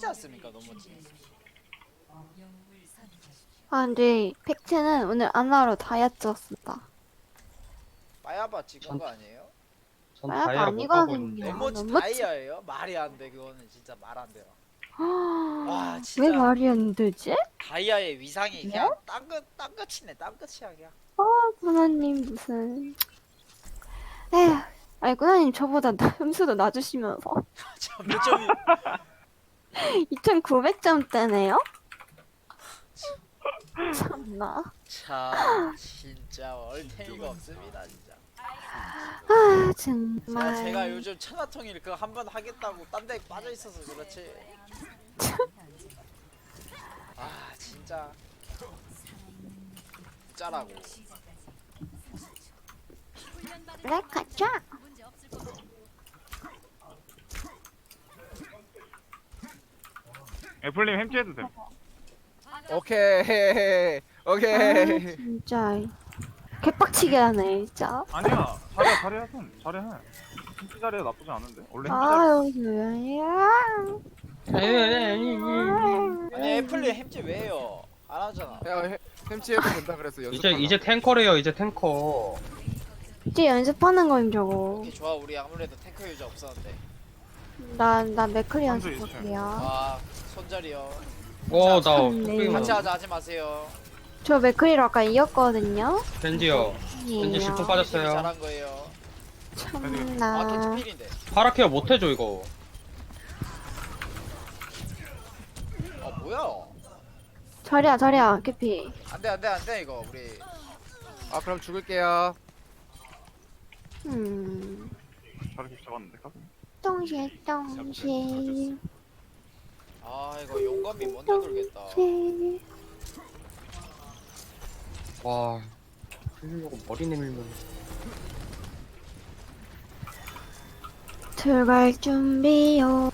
있지 않습니까? 너무 아, 근데 팩트는 오늘 아나로 다이어트 쪘습니다. 빠야바 찍은 전- 거 아니에요? 전 말도 다이아를 못 가고 있는데. 아니거든요. 에모지 너무 다이아예요? 말이 안 돼. 그거는 진짜 말 안 돼요. 와 왜 진짜 말이 안 되지? 다이아의 위상이 그냥 땅끝이네. 땅끝이야 그냥. 구나님 무슨 에휴 아니 구나님 저보다 점수도 낮으시면서 몇 점이 2900점대네요? 참나 참 진짜 얼탱이가 없습니다 진짜. 아 정말 제가 요즘 천하통일 그거 한 번 하겠다고 딴 데 빠져 있어서 그렇지. 아 진짜 짜라고. 그래 가자 애플님 햄찌해도 돼. 오케이 아 오케이. 진짜 개빡치게 하네 진짜 아니야, 잘해 손 잘해. 햄찌 잘해 나쁘지 않은데. 원래 햄찌 잘해. 아유 뭐야 아니 애플리 햄찌 왜 해요? 안 하잖아. 야 햄찌해도 된다 그래서 이제 연습. 탱커래요. 이제 탱커. 이제 연습하는 거임 저거 오케이 좋아. 우리 아무래도 탱커 유저 없었는데. 나 맥클리 선수 연습할게요 아 손절이요. 나 참네. 같이 하자 하지 마세요. 저 맥클리로 아까 이겼거든요 겐지요. 겐지 아니에요. 10분 빠졌어요. 잘한 거예요. 아 참나 겐지 필인데. 파라케어 못해줘 이거. 아 뭐야? 저리야 캐피 안돼 이거 우리. 아 그럼 죽을게요. 잘해 잡았는데. 똥실 아 이거 용감이 먼저 돌겠다. 와. 흘리려고 머리 내밀면. 들어갈 준비요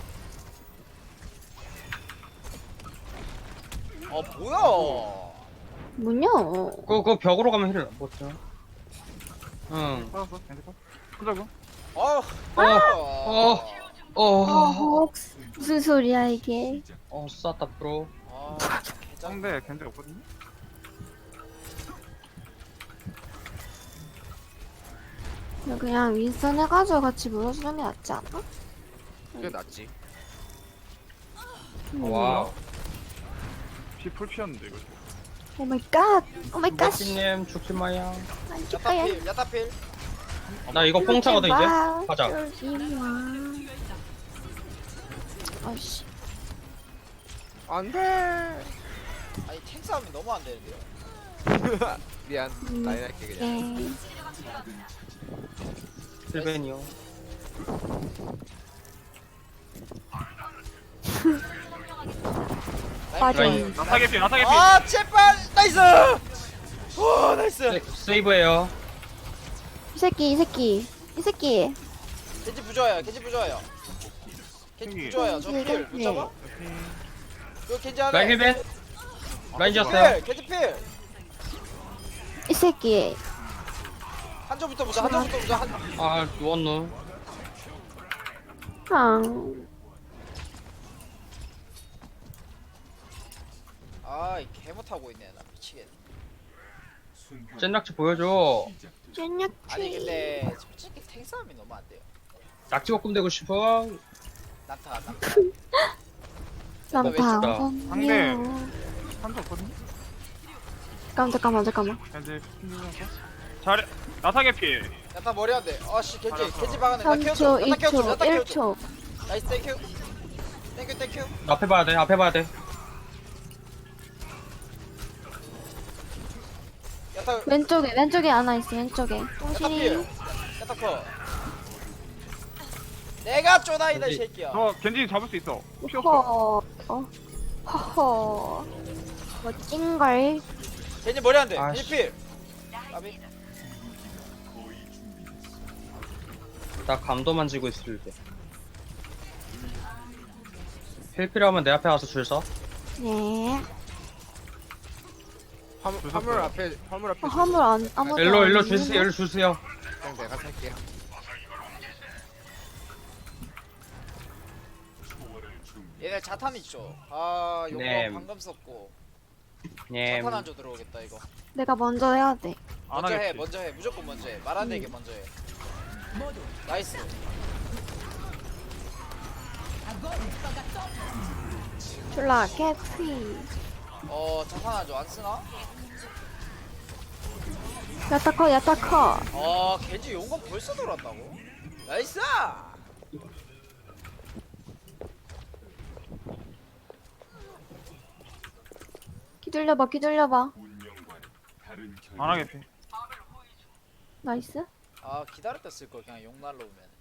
아 뭐야? 뭐냐 그거 벽으로 가면 힐을 못 줘. 응. 받았어. 햄찌 받. 손자고. 무슨 소리야 이게 쌌다 프로. 아 개짱. 상대 겐지 없거든요. 그냥 윈스턴 해가지고 같이 물어주는 게 낫지 않아? 그게 낫지. 와. 피풀 피었는데 이거. 오마이갓 오마이갓 멋지님 죽지 마요. 안 줄까요? 야타필. 나 이거 뽕차거든 이제. 가자. 아이씨 안돼. 아니 탱 싸움이 너무 안 되는데요. 미안. 라인 할게 그냥. 네. 힐벤이요. 맞아 라인. 나타게 피. 아 제발 나이스. 오 나이스. 세이브해요. 이 새끼 겐지 부좋아요. 겐지 부좋아요. 겐지 여기. 부좋아요. 저필못 잡아? 이거 겐지 하네. 라인 힐벤. 라인 지었어요. 겐지 필. 이 새끼 한점부터 보자. 한점부터 보자. 아 누웠노. 아이 개못하고 있네. 나 미치겠네. 젠낙지 보여줘. 쫀약치 아니 근데 솔직히 탱 싸움이 너무 안 돼요. 낙지 볶음 되고 싶어. 난타. 남파 상대. 한대 없거든요. 잠깐만 겐지 피면서. 잘해. 나타게 피. 야타 머리 안 돼. 아씨 겐지 알았어. 겐지 박았네. 나 키워줘. 3초 야타 키워줘. 2초 야타 키워줘. 1초 나이스 땡큐. 땡큐. 앞에 봐야 돼. 앞에 봐야 돼. 야타 왼쪽에 하나 있어 왼쪽에 야타 똥실이 필. 야타 커. 내가 쪼다이다 이 겐지. 새끼야. 저 겐지 잡을 수 있어. 혹시 없어. 허허 멋진걸 겐지 머리 안 돼. 아씨. 겐지 필. 까비. 나 감도 만지고 있을 때. 힐 필요하면 내 앞에 와서 줄 서. 네 화물 앞에 화물 아무도 일로 안 주세요. 있네. 일로 주세요. 그냥 내가 살게요. 얘네 자탄 있죠. 아 요거 네. 방금 썼고 예. 자탄 안줘 들어오겠다 이거. 내가 먼저 해야 돼. 안 먼저 해 하겠지. 먼저 해 무조건 먼저 해. 말 안 되게 먼저 해. 나이스. 졸라 개피. 자탄 안줘 안 쓰나? 야타커 야타커. 겐지 용건 벌써 돌았다고? 나이스! 기다려봐 기다려봐. 안 하겠지. 나이스. 기다렸다 쓸걸 그냥 용 날라오면.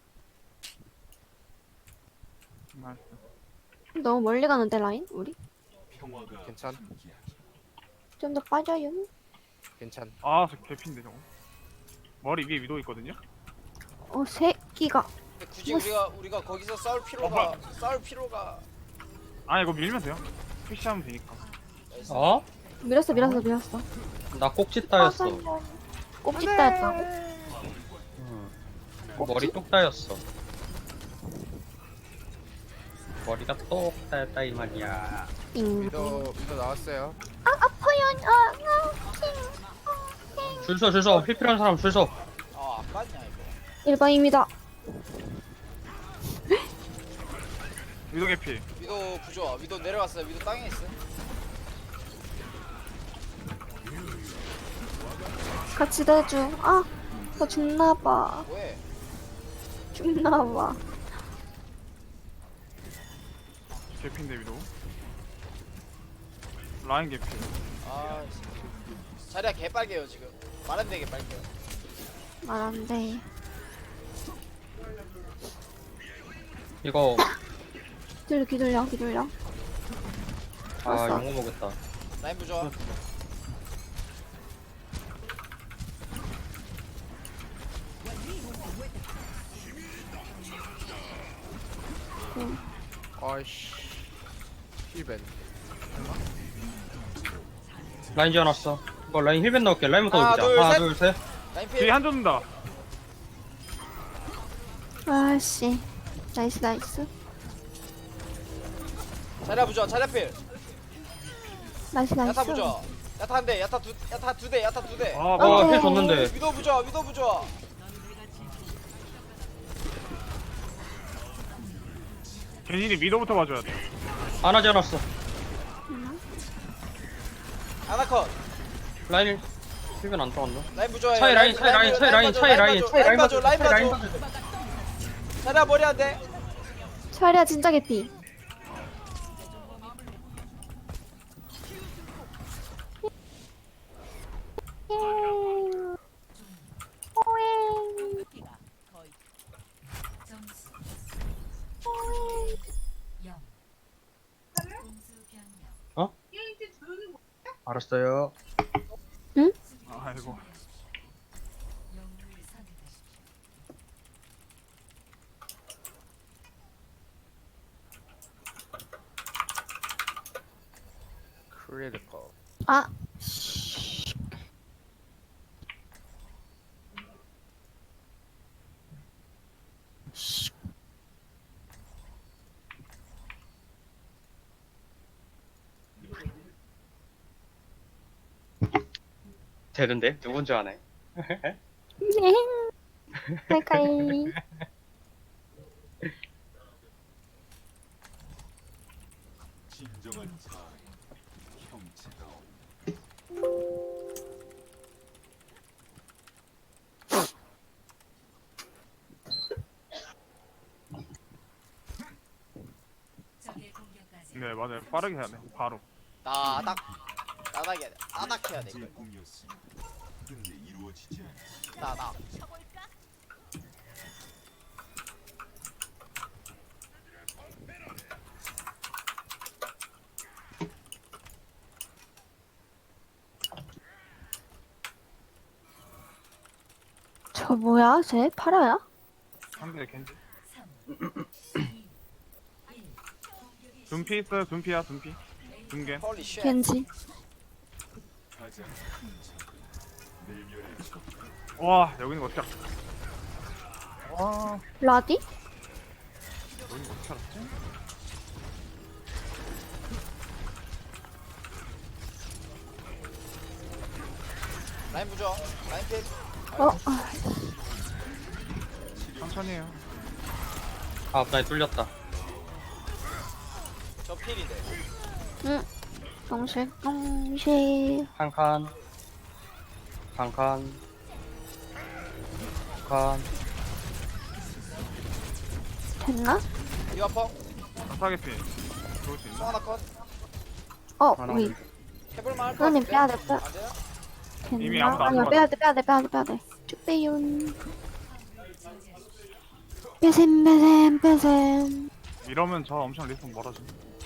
나이스. 너무 멀리 가는데 라인 우리? 괜찮. 좀 더 빠져요. 괜찮. 아, 저 개핀데 저거. 머리 위에 위도 있거든요. 새끼가. 근데 굳이 뭐, 우리가 거기서 싸울 필요가 아, 이거 밀면 돼요. 푸시하면 되니까. 나이스. 어? 밀었어. 나 꼭지 따였어. 꼽짓 따였다고? 응. 머리 똑 따였어. 머리가 똑 따였다 이 말이야. 잉. 미도 나왔어요. 아파요. 줄 서. 힐 필요한 사람 줄 서. 안 갔냐 이거. 일반입니다. 위도 개피. 위도 부좋아. 위도 내려갔어요. 위도 땅에 있어. 같이 내줘. 나 죽나봐. 뭐해? 죽나봐. 개핀데 위도. 라인 개피. 자리가 개빨개요 지금. 말 안 되게 빨개요. 말 안 돼. 이거 기다려. 아 알았어. 용어 먹겠다. 라인 부좋아. 아이씨. 힐벤. 라인 지어놨어. 이거 라인 힐벤 넣을게. 라인부터 하나, 넣자. 둘, 하나 셋. 둘 셋. 라인 뒤에 필. 한 줬는다. 아씨. 나이스. 자리야 부좋아. 자리야 필. 나이스. 야타 부좋아. 야타 한 대. 야타 두 대. 아, 어, 뭐. 힐 줬는데. 위도 부좋아. 겐진이 위도부터 봐줘야 돼. 하나 지어놨어. 아나컷. 라인 힐벤 안 들어갔나? 라인 부좋아. 차이 라인 봐줘, 라인 봐줘. 자리야 머리 안 돼. 차리야 진짜 개피. 알았어요. 아이고. 크리티컬. 되는데 누군지 아네. 할까이. 네, 맞아요. 빠르게 해야 돼. 바로. 나닥 해야 돼. 나. 저 뭐야? 쟤 파라야? 상대 겐지. 둠피 있어요. 둠피야. 둠겐. 홀리 쉣. 겐지. 와, 여기는 어떻게 알았지? 와, 라디? 여기는 어떻게 알았지? 라인 부죠. 라인 필. 어? 천천히 해요. 아 앞라인 뚫렸다. 저 필인데. 응. 동실. 한 칸. 한 칸. 칸. 됐나? 이 아파. 사게 피. 좋을 수 송 있나? 하나 컷. 하나 위. 해볼만 할것 선생님 같은데. 빼야돼, 빼. 안 되나? 이미 됐나? 아무도 안 아니야, 들어왔어. 빼야돼. 쭉 빼윤. 빼셈. 이러면 저 엄청 리스폰 멀어져.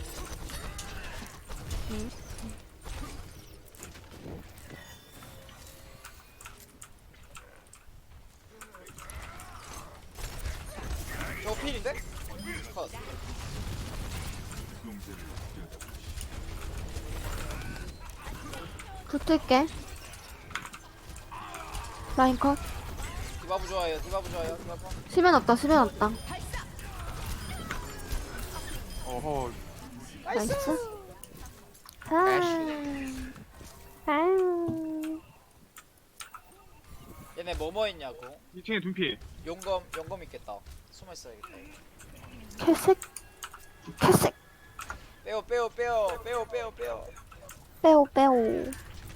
저 필인데? 컷. 붙을게. 라인 컷. 디바브 좋아요. 디바브 좋아요. 디바브. 수면 없다. 어허. 나이스. 아. 얘네 뭐뭐 있냐고. 2층에 둔피. 용검 있겠다. 숨어 있어야겠다. 캐색. 빼요. 빼오.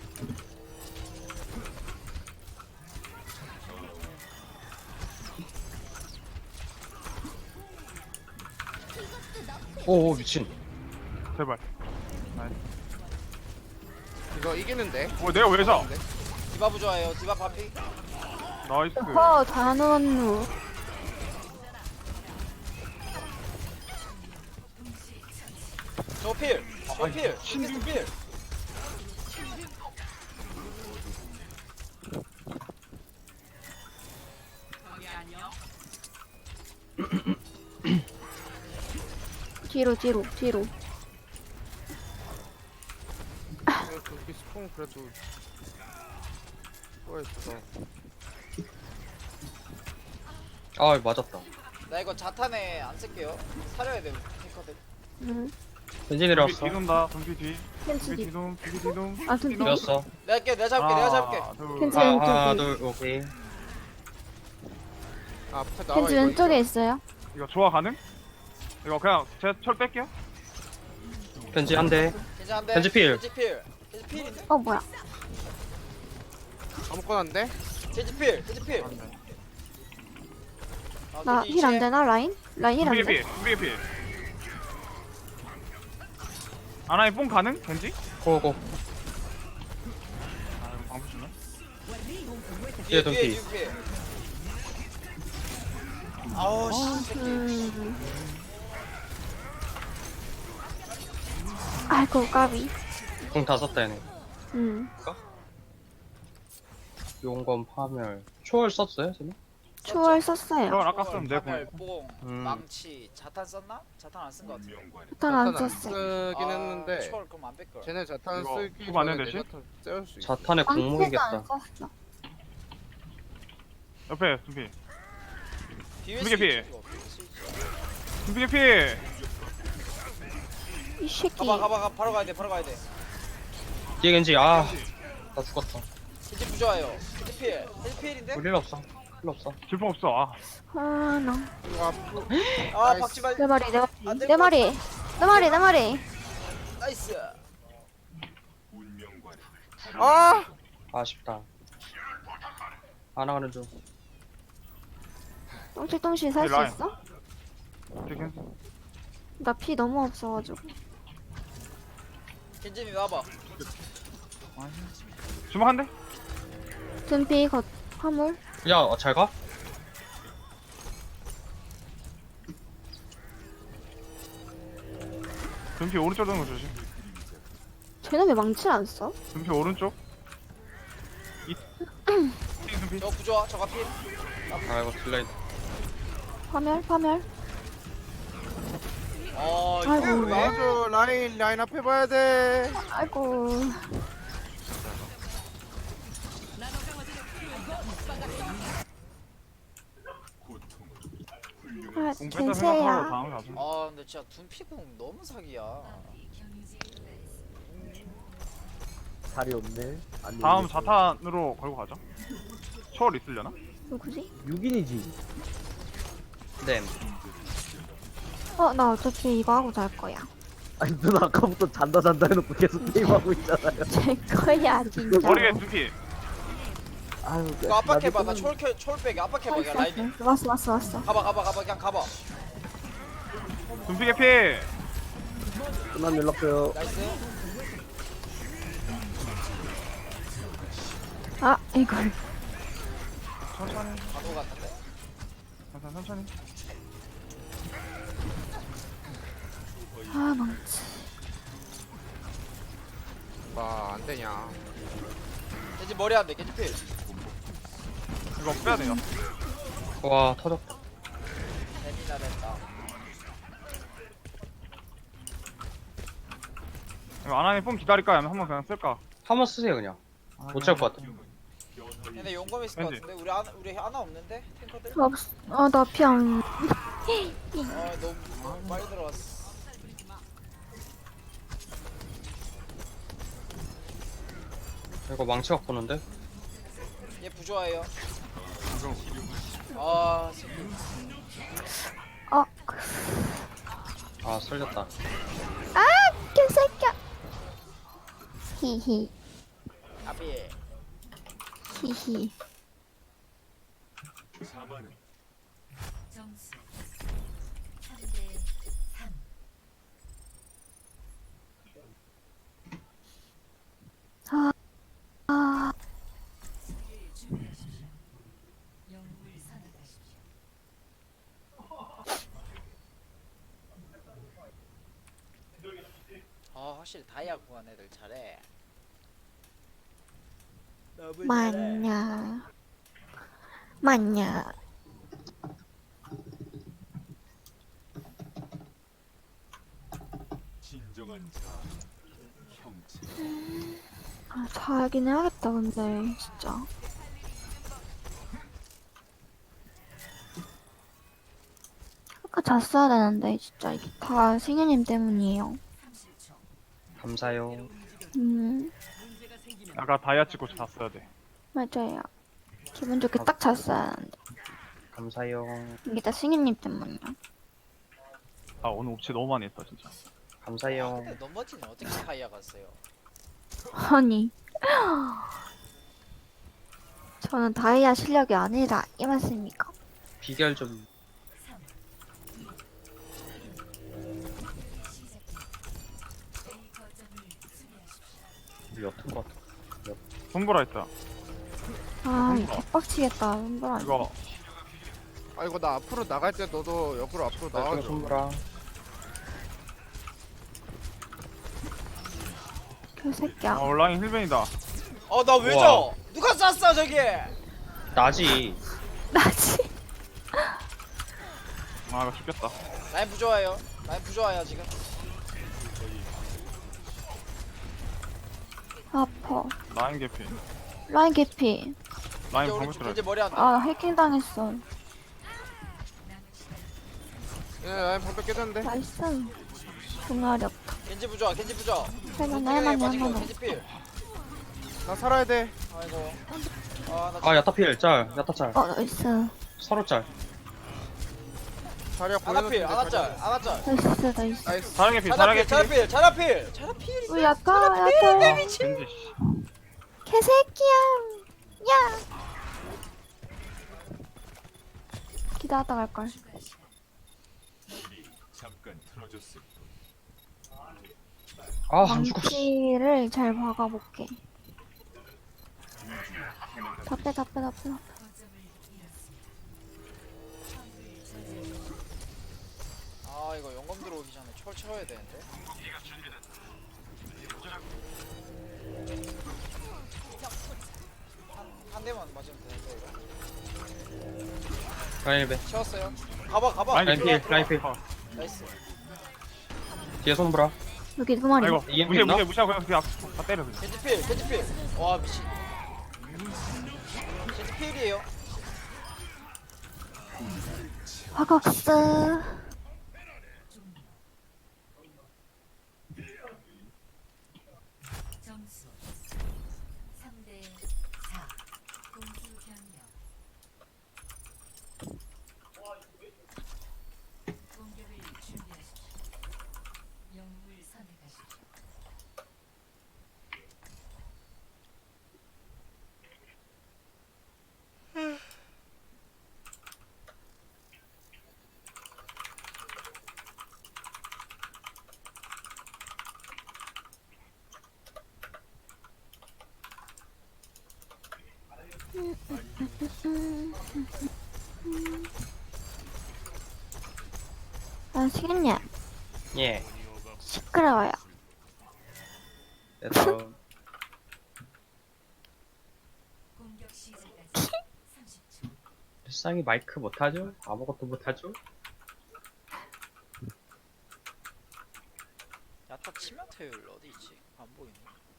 오 미친. 제발. 이거 이기는데? 내가 왜 져? 디바브 좋아요. 디바 반피. 나이스. 단원루. 저 필. 저 필. 뒤로. 이거 저기 스폰 그래도 수고했어. 아 맞았다. 나 이거 자탄에 안 쓸게요. 사려야 돼. 탱커들. 벤지 내려왔어. 뒤돈다. 둔피 뒤. 캔치 둔피 뒤. 뒤동. 둔피 뒤동. 아, 둔피. 되었어. 내가 잡을게. 캔치 하나 왼쪽이. 둘 오케이. 앞에 나와 캔치 이거 왼쪽에 있어요. 이거 조화 가능? 이거 그냥 제 철 뺄게요. 벤지 한 대. 괜찮은데? 겐지 필. 겐지 필인데? 뭐야. 아무거나 안 돼? 겐지 필. 나 힐 안 되나, 라인? 라인 힐 안 둔피 돼? 피. 둔피 피. 아나이 뽕 가능? 겐지? 고고. 아 이거 방금 주네. 뒤에 둔피. 뒤에. 아우 씨. 아이고, 까비. 공 다 썼다 얘네. 용검 파멸. 초월 썼어요 지금? 초월 썼어요. 이건 아까 쓰면 내 파멸, 공. 뽕, 망치, 자탄 썼나? 자탄 안 쓴 거 같아. 일단 안 자탄 썼어. 쓰긴 했는데 초월 그럼 안 뺄걸. 쟤네 자탄 이거 쓰기 그거 안 전에 해도 내 되지? 자탄 떼울 수 있어. 자탄의 망치도 안 공목이겠다. 썼어. 옆에 둔피. 뒤에 두개 필. 스위치 이거, 뒤에 스위치. 둔피 피. 이 새끼. 가봐. 바로 가야 돼. 뒤에 겐지 나 죽었다. 겐지 부좋아요. 겐지 필인데? 우리 일 없어. 질풍 없어. 아. 아, 나. 이거 앞으로 아 나이스. 박지발. 내 말이. 안 될 내 것 말이. 나이스. 아! 아쉽다. 안 나가는 중. 똥실똥실 살 수 라인. 있어? 겐지. 나 피 너무 없어가지고. 겐진이 나와봐. 주먹 한 대? 둔피 겉 화물. 야 잘 가? 둔피 오른쪽 도는 거 조심. 쟤는 왜 망치를 안 써? 둔피 오른쪽. 둔피. 저 부좋아. 저가 필. 아 이거 딜라인. 파멸. 이거 아이고. 나와줘 라인 앞에 봐야 돼. 아이고. 아, 공 뺐다 생각하고 겐세야. 다음에 가자. 근데 진짜 둔피공 너무 사기야. 자리 없네. 아니, 다음 이게 자탄으로 걸고 가죠. 초월 있으려나? 누구지? 6인이지. 네. 나 어차피 이거 하고 잘 거야. 아니 누나 아까부터 잔다 해놓고 계속 게임하고 있잖아요. 잘 거야 진짜. 머리에 두피. 아유, 이거 압박해봐. 나 초월백에 압박해봐. 그냥 라인이. 왔어. 가봐. 그냥 가봐. 둠피 개피. 누나 연락 줘요. 나이스. 이걸. 천천히. 가도 갔는데. 천천히. 망치. 와 안되냐. 겐지 머리 안 돼. 겐지 필. 이거 빼야 돼요. 와 터졌다. 재미나 됐다. 이거 아나님 뽕 기다릴까? 아니면 한번 그냥 쓸까? 한번 쓰세요 그냥. 못 찰 것 같아. 근데 용검 있을 것 겐지. 같은데. 우리 하나 없는데 탱커들. 나 피안. 너무 빨리 들어왔어. 이거 망치 갖고 오는데? 얘 부조화예요. 아, 새끼. 아 쓸렸다. 개새끼야. 히히. 아비. 히히. 점수 3대 3. 수비를 준비하십시오. 영웅을 선택하십시오. 확실히 다이아 구간 애들 잘해. 맞냐. 자긴 해야겠다 근데 진짜. 아까 잤어야 되는데 진짜 이게 다 승현님 때문이에요. 감사요. 아까 다이아 찍고 잤어야 돼. 맞아요. 기분 좋게 딱 잤어야 하는데 감사요. 이게 다 승현님 때문이야. 아 오늘 옵치 너무 많이 했다 진짜. 감사요. 근데 넘버지는 어떻게 다이아 갔어요? 아니 저는 다이아 실력이 아니라 이 말씀입니까? 비결 좀. 옅은 것 같아. 손보라 했다. 개빡치겠다. 손보라. 이거 아 이거 나 앞으로 나갈 때 너도 옆으로 앞으로 나중에 나와줘. 손보라. 개새끼야. 온라인 힐벤이다. 나 왜 우와. 져? 누가 쐈어 저기? 나지. 나지. 아 이거 죽겠다. 라인 부조화예요. 라인 부조화야 지금. 아파. 라인 개피. 라인 개피. 라인 이제 우리 방금 들어. 겐지 머리 안 돼. 해킹 당했어. 예 라인 방벽 깨졌는데. 나이스. 종아리 없다. 겐지 부조화. 할만해. 겐지 필. 나 살아야 돼. 아이고. 아 야타필 짤. 야타 짤. 나이스. 서로 짤. 자리야 아나필. 보내줬는데. 아나짤. 나이스. 나이스. 사랑 개피. 사랑 개피. 자라필. 우리 야타. 아, 겐지 씨. 개새끼야. 야. 기다렸다 갈걸. 아안 죽었어. 망치를 잘 박아볼게. 다 빼. 이거 용검 들어오기 전에 철 채워야 되는데. 한 대만 맞으면 되는데 이거. 라인 힐벤. 채웠어요. 가봐. 라인 필. 라인 필. 나이스. 뒤에 손보라. 여기 두 마리. 아이고 EMP 무시해 있나? 무시하고 그냥 다 때려 그냥. 겐지 필. 와 미친. 겐지 필이에요. 화각스. 점수 아시겠냐? 예. 시끄러워요. 그래서 공격 시작까지 30초. 일상이 마이크 못하죠? 아무것도 못하죠? 야타 치명 태율 어디 있지? 안 보이네.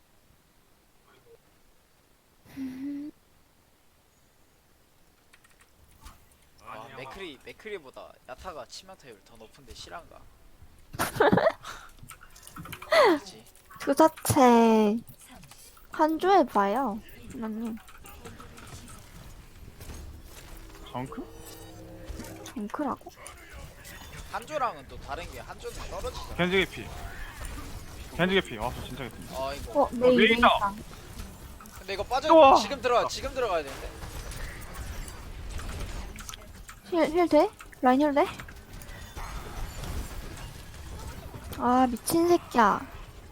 아 맥크리보다 야타가 치명 태율 더 높은데 실한가? 아니지. 그 자체 한 조에 봐요. 나님 정크? 정크라고? 한조랑은 또 다른 게 한조는 떨어지잖아. 겐지 개피. 겐지 개피. 와, 저 진짜 개피. 아 이거. 어, 메이 메이다. 메이다. 근데 이거 빠져. 우와. 지금 들어가야 되는데. 힐 돼? 라인 힐 돼? 아 미친 새끼야.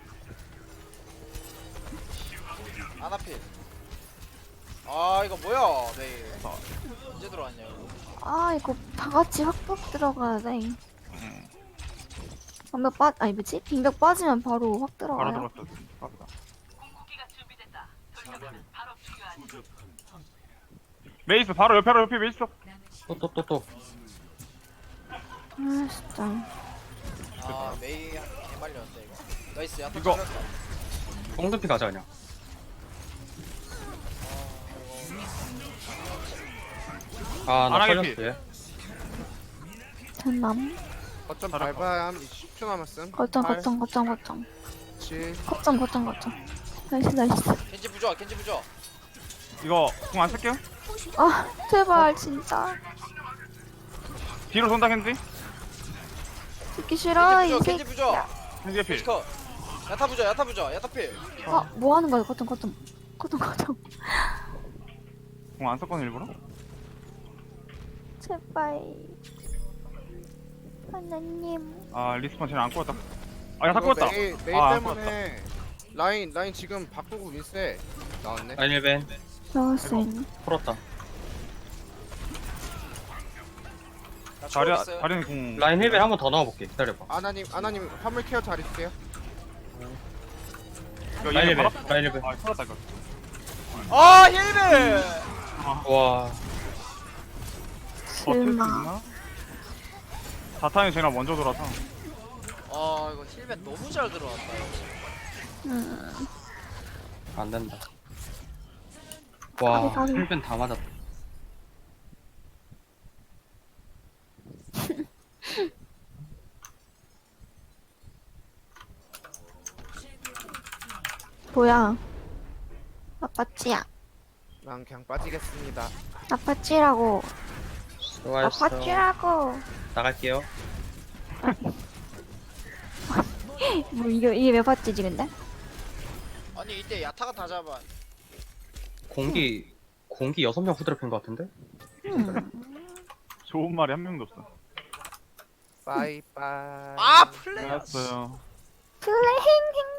아나필. 아 이거 뭐야? 네. 언제 들어왔냐 이거? 아 이거 다 같이 확박 들어가야 돼. 방벽 빠 아니 뭐지? 빙벽 빠지면 바로 확 바로 들어가요. 들어갔어. 깝다. 메이스 바로 옆에 메이스. 또. 아 진짜. 아 메이 개말렸는데 이거. 나이스 야타 이거. 잘했다. 꽁등피 가자 그냥. 아, 나 안 살렸어 하겠지? 얘. 전남. 거점 잘할 밟아야 함 10초 남았음. 거점 8, 거점 거점 거점 7. 거점. 나이스. 겐지 부좋아. 이거 공 안 쓸게요. 아 제발 진짜. 뒤로 손다 겐지. 듣기 싫어 이 겐지 새끼. 부좋아. 겐지 개피. 컷. 야타 부좋아. 야타필. 아뭐 하는 거야 거점. 공 안 썼거든 일부러. 제발. 하나님. 아 리스폰 쟤는 안 꼬였다. 아 야타 이거 꼬였다. 메이 아, 안 때문에 라인 지금 바꾸고 윈세 나왔네. 라인 1벤 나왔어. 풀었다. 나 자리 초월 자리는 공. 라인 1벤 한 번 더 넣어볼게. 기다려봐. 아나님 화물 케어 잘 해줄게요. 이거 라인 얘네 1벤 바로- 라인 1벤. 아 털었다 이거. 아 힐베. 와. 버틸 수 실망. 있나? 자탄이 제가 먼저 돌아서. 아 이거 힐벤 너무 잘 들어왔다. 이거. 안 된다. 와, 가비. 1벤 다 맞았다. 뭐야? 아빠찌야. 난 그냥 빠지겠습니다. 아빠찌라고. 수고하셨어. 아빠찌라고. 나갈게요. 뭐 이게 몇 바찌지 근데? 아니 이때 야타가 다 잡아. 공기 6명 후드럽힌 것 같은데? 좋은 말이 한 명도 없어. 빠이빠이. 아 플레이. 알았어요. 플레잉